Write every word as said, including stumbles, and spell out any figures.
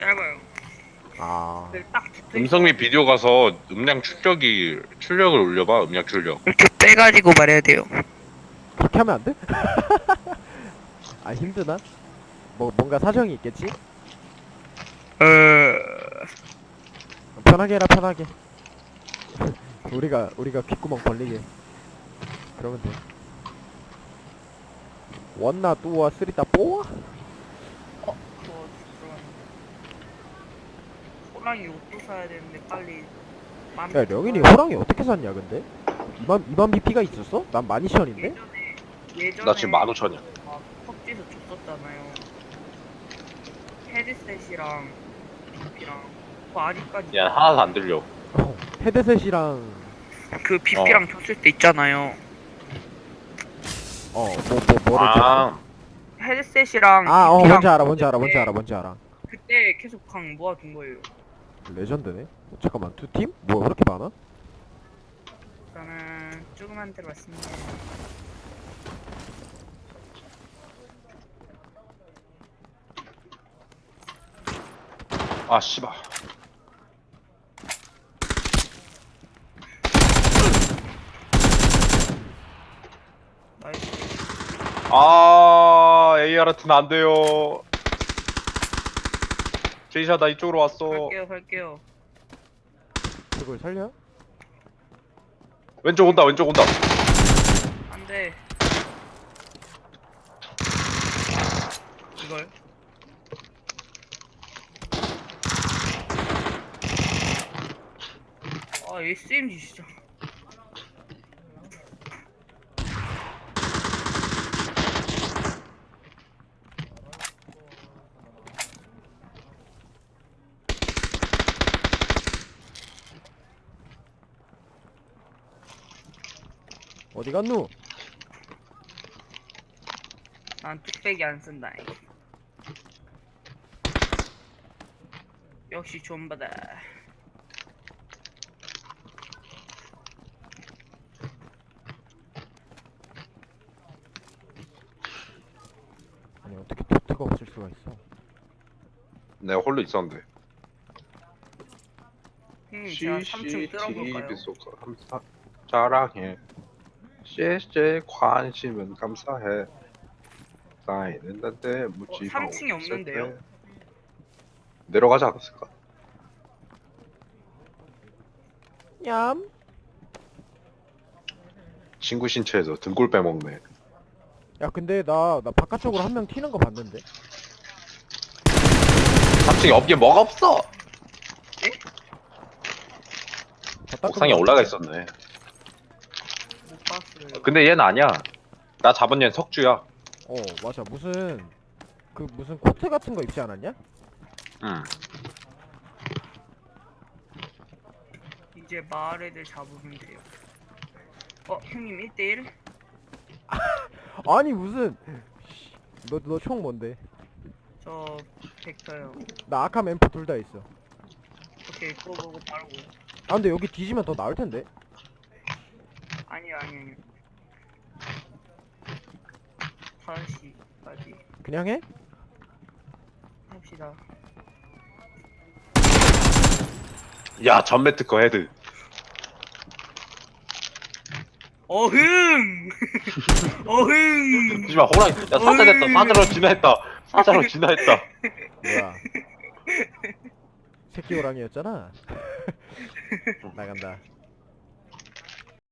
짧아요. 아, 그 딱 붙어 음성 및 있어가지고 비디오 가서 음량 출력이 출력을 올려봐. 음량 출력. 이렇게 빼가지고 말해야 돼요. 그렇게 하면 안 돼? 아, 힘드나? 뭐, 뭔가 사정이 있겠지? 어... 편하게 해라, 편하게. 우리가, 우리가 귓구멍 벌리게. 그러면 돼. 원나, 뚜와, 쓰리따, 뽀와? 어, 그거 들어갔는데. 호랑이 옷도 사야 되는데 빨리 만. 야, 령인이 호랑이 어떻게 샀냐, 근데? 이만, 이만 비피가 있었어? 난 만 이천인데? 예전에 예전에 나 지금 만 오천이야. 막 펍지에서 줬었잖아요. 헤드셋이랑 비피랑 그 아직까지 야, 하나도 안 들려. 어, 헤드셋이랑, 그 비피랑 줬을 때 있잖아요. 어, 뭐, 뭐, 뭐를 줬어? 아, 헤드셋이랑 아, 어, 비피랑 뭔지 알아, 뭔지 알아, 줬을 뭔지 때 알아, 뭔지 알아. 그때 계속 강 모아둔 거예요. 레전드네? 어, 잠깐만, 두 팀? 뭐야, 그렇게 많아? 저는 조그만 데로 왔습니다. 아, 씨발. 나이스. 아, 에이아르트는 안 돼요. 제이샤, 나 이쪽으로 왔어. 갈게요, 갈게요. 그걸 살려? 왼쪽 온다, 왼쪽 온다. 안 돼. 이걸. 아, 에스엠지 진짜. 어디 갔누? 난 뚝배기 안 쓴다. 역시 존바다. 아니, 어떻게 도트가 없을 수가 있어? 내가 홀로 있었는데. 형님, 제가 삼 층 뚫어볼까요? 씨씨티비 속서 감사 자랑해. 씨씨 관심은 감사해. 쌓이는데 묻지 삼 층이 없는데요? 내려가지 않았을까? 얌? 친구 신체에서 등골 빼먹네. 야, 근데 나, 나 바깥쪽으로 한 명 튀는 거 봤는데? 삼 층에 없긴 뭐가 없어. 다 닦은 옥상에 거 올라가 같은데? 있었네. 못 봤어요. 근데 얘는 아니야. 나 잡은 얘는 석주야. 어, 맞아. 무슨, 그, 무슨 코트 같은 거 입지 않았냐? 응. 이제 마을 애들 잡으면 돼요. 어, 형님 일 대일? 아니, 무슨. 너, 너 총 뭔데? 저 벡터요. 나 아캄 엠포 둘 다 있어. 오케이, 그거 보고 바로. 아, 근데 여기 뒤지면 더 나을 텐데? 아니요, 아니요, 아니요. 다섯 시까지 그냥 해? 합시다. 야, 전매 특허 헤드. 어흥! 어흥! 하지마, 호랑이. 야, 사자됐다. 사자로 진화했다. 사자로 진화했다. 뭐야. 새끼 호랑이였잖아? 나간다.